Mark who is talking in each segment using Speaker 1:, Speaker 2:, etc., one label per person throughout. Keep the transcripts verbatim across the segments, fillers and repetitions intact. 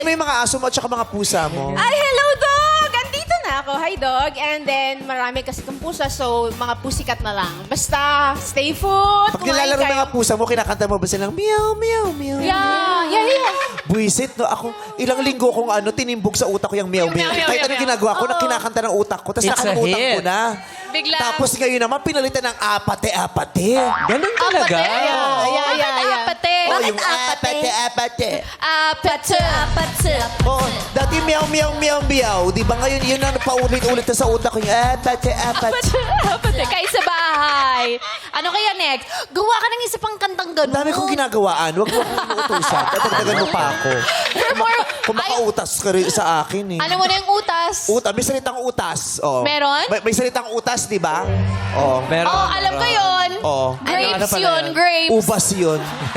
Speaker 1: Ano yung mga aso mo at saka mga pusa mo?
Speaker 2: Ay, hello, dog! Andito na ako. Hi, dog. And then, marami kasi kong pusa, so mga pusikat na lang. Basta, stay put.
Speaker 1: Pag nilalaro ng mga pusa mo, kinakanta mo ba silang meow, meow, meow?
Speaker 2: Yeah, yeah, yeah.
Speaker 1: Buisit, no? Ako, ilang linggo kong ano, tinimbog sa utak ko yung meow, meow.
Speaker 2: Meow, meow,
Speaker 1: Kahit
Speaker 2: meow,
Speaker 1: anong
Speaker 2: meow.
Speaker 1: ginagawa ko, na
Speaker 2: Oo.
Speaker 1: kinakanta ng utak ko. Tapos
Speaker 3: It's a
Speaker 1: nakalimutan ko
Speaker 3: hit.
Speaker 1: na.
Speaker 2: Bigla.
Speaker 1: Tapos ngayon naman, pinalitan ng apate-apate.
Speaker 3: Ganun talaga?
Speaker 2: Apate. Yeah, yeah, yeah, yeah. Apate.
Speaker 1: Oh,
Speaker 2: Bakit
Speaker 1: yung apate-apate.
Speaker 2: Apate. Apate.
Speaker 1: Oo, dati meow, meow, meow, meow. Di ba ngayon, yun ang paulit-ulit na sa utak ko yung apate-apate.
Speaker 2: Apate. Kayo sa bahay. Ano kaya next? Gawa ka ng isa pang kantang
Speaker 1: Ang
Speaker 2: ganun.
Speaker 1: dami kong ginagawaan. Huwag mo akong inuutosan. Dadagdagan mo pa ako.
Speaker 2: Perform.
Speaker 1: Kung makautas ka rin sa akin eh.
Speaker 2: Ano mo na yung utas?
Speaker 1: Utas, may salitang utas. Oh.
Speaker 2: Meron?
Speaker 1: May, may salitang utas, di ba? Oh.
Speaker 3: Meron.
Speaker 2: Oh, alam ko yun.
Speaker 1: Oh.
Speaker 2: Grapes
Speaker 3: Ano pala
Speaker 2: yun,
Speaker 3: yan?
Speaker 2: grapes.
Speaker 1: Ubas yun.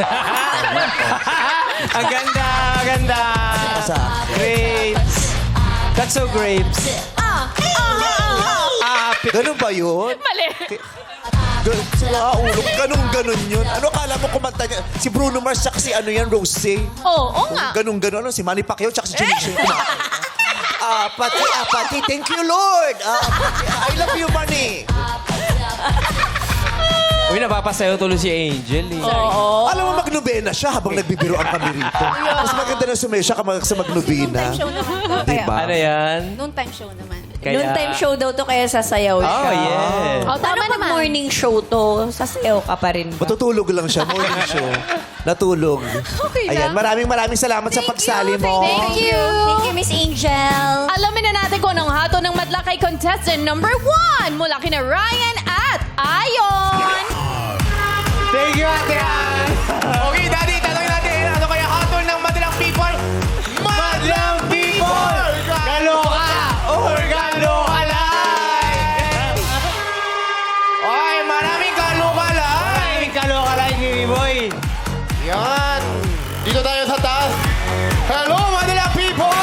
Speaker 3: Ang ganda, ang ganda.
Speaker 1: Sa
Speaker 3: Grapes. That's so grapes.
Speaker 2: Ah, ah, ah, ah.
Speaker 3: Ah,
Speaker 1: ganun ba yun?
Speaker 2: Mali.
Speaker 1: Ganun, sila ulong. Ganun, ganun yun. Ano kala mo kumanta niya? Si Bruno Mars tsaka si ano yan, Rosé.
Speaker 2: Oo, oh, nga.
Speaker 1: Ganun, ganun. Ano, si Manny Pacquiao tsaka si Junichi. Apati, apati. Thank you, Lord. Apati. I love you, Manny.
Speaker 3: Uy, napapasayo tuloy si Angel eh.
Speaker 2: Oo.
Speaker 1: Alam mo, magnobena siya habang nagbibiroan kami rito. Mas maganda na sumayo siya kapag sa magnobena.
Speaker 2: Show naman.
Speaker 1: Diba?
Speaker 3: Ano yan?
Speaker 2: Noon time show naman.
Speaker 3: Kaya...
Speaker 4: Noon time show daw to kaya sasayaw siya.
Speaker 3: Oh, yes.
Speaker 2: Oh, tama
Speaker 4: Paano pag
Speaker 2: naman.
Speaker 4: morning show to, sasayaw ka pa rin ba?
Speaker 1: Matutulog lang siya. Morning show. Natulog.
Speaker 2: Okay
Speaker 1: Ayan,
Speaker 2: lang.
Speaker 1: maraming maraming salamat sa pagsali mo.
Speaker 2: Thank you.
Speaker 4: Thank you, Miss Angel.
Speaker 2: Alamin na natin kung anong hato ng madla kay contestant number one mula kina Ryan at Ayon.
Speaker 3: Thank you, Ate Ann. Okay, Daddy, tanongin natin. Ano kaya hatol ng madalang people? Madalang people! Galoka or galoka like? Oy, maraming galoka like. Maraming galoka like, Jimmy Boy.
Speaker 5: Yan. Dito tayo sa taas. Hello, Manila people!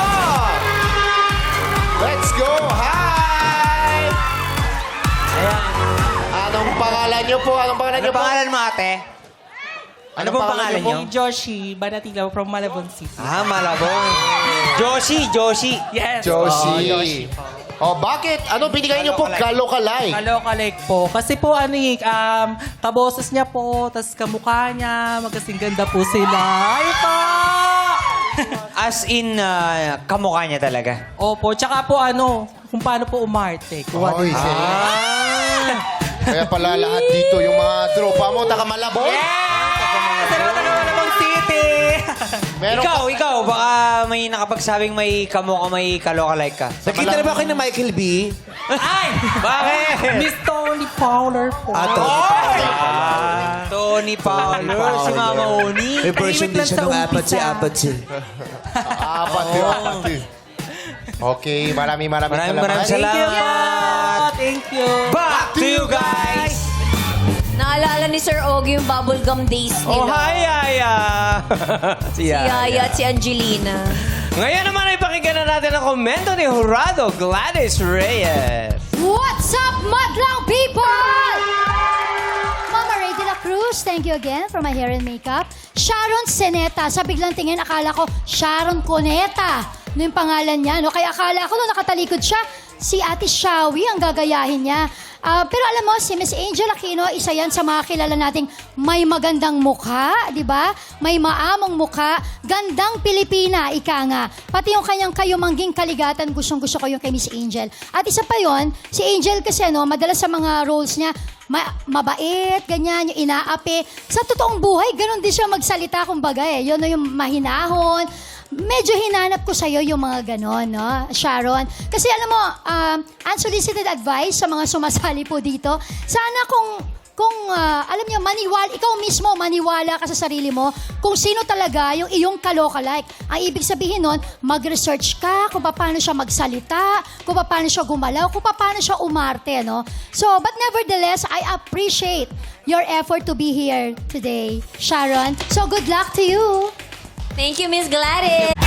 Speaker 5: Let's go! Hi!
Speaker 3: Ayan.
Speaker 5: Anong pangalan niyo po? Anong pangalan
Speaker 3: Ano
Speaker 5: niyo po?
Speaker 3: pangalan mo, ate? Ano pong pangalan niyo?
Speaker 6: Joshi Banatila from Malabon City.
Speaker 3: Ah, Malabon. Joshi, Joshi.
Speaker 6: Yes.
Speaker 5: Josie. Oh, bakit? Ano binigay niyo po? Galokalay.
Speaker 6: Kalokalike po. Kasi po ano eh, um, kaboses niya po, tas kamukha niya, magkasing ganda po sila. Ay po!
Speaker 3: As in, uh, kamukha niya talaga.
Speaker 6: Opo, tsaka po ano, kung paano po umarte. Kuha
Speaker 5: Oy,
Speaker 6: din siya.
Speaker 5: ah. Kaya pala lahat dito, yung mga tropa mo, taga Malabon.
Speaker 3: Sa mga Malabon City!
Speaker 5: Meron
Speaker 3: ikaw,
Speaker 5: ka-
Speaker 3: ikaw, baka may nakapagsabing may kamukha, may kaloka-like ka.
Speaker 1: Nakita na ba kayo ng Michael B?
Speaker 3: Ay! Bakit?
Speaker 6: Miss Tony Fowler po.
Speaker 1: Ah, Tony
Speaker 3: Ah, Tony Fowler, si Mama Oni.
Speaker 1: May version din
Speaker 6: Tahimik lang
Speaker 1: siya
Speaker 6: sa
Speaker 1: ng
Speaker 6: umpisa.
Speaker 1: apatsi-apatsi.
Speaker 5: Apat yun, apat yun. Okay, maraming maraming
Speaker 3: Maraming maraming salamat.
Speaker 6: Thank you.
Speaker 3: Back to you guys!
Speaker 4: Naalala ni Sir Ogie yung bubblegum days nila.
Speaker 3: Oh, hi, Yaya! si
Speaker 4: Si Yaya at si Angelina.
Speaker 3: Ngayon naman ay pakinggan na natin ang komento ni Jurado Gladys Reyes.
Speaker 7: What's up, madlang people? Mama Ray de la Cruz, thank you again for my hair and makeup. Sharon Seneta, sa biglang tingin, akala ko Sharon Coneta. Ano yung pangalan niya, no? Kaya akala ko nung nakatalikod siya, si Ate Shawi ang gagayahin niya. Ah, pero alam mo, si Miss Angel Aquino, isa yan sa mga kilala nating may magandang mukha, di ba? May maamong mukha, gandang Pilipina, ika nga. Pati yung kanyang kayumangging kaligatan, gustong-gusto ko yung kay Miss Angel. At isa pa yon, si Angel kasi, no, madalas sa mga roles niya, ma- mabait, ganyan, yung inaapi. Sa totoong buhay, ganun din siya magsalita, kumbaga eh. Yun, no, yung mahinahon. Medyo hinanap ko sa'yo yung mga ganon, no, Sharon? Kasi alam mo, um, unsolicited advice sa mga sumasali po dito. Sana kung, kung ah, alam niyo, maniwala, ikaw mismo, maniwala ka sa sarili mo kung sino talaga yung iyong kalokalike. Ang ibig sabihin nun, mag-research ka kung paano siya magsalita, kung paano siya gumalaw, kung paano siya umarte, no? So, but nevertheless, I appreciate your effort to be here today, Sharon. So, good luck to you.
Speaker 4: Thank you, Miss Gladys.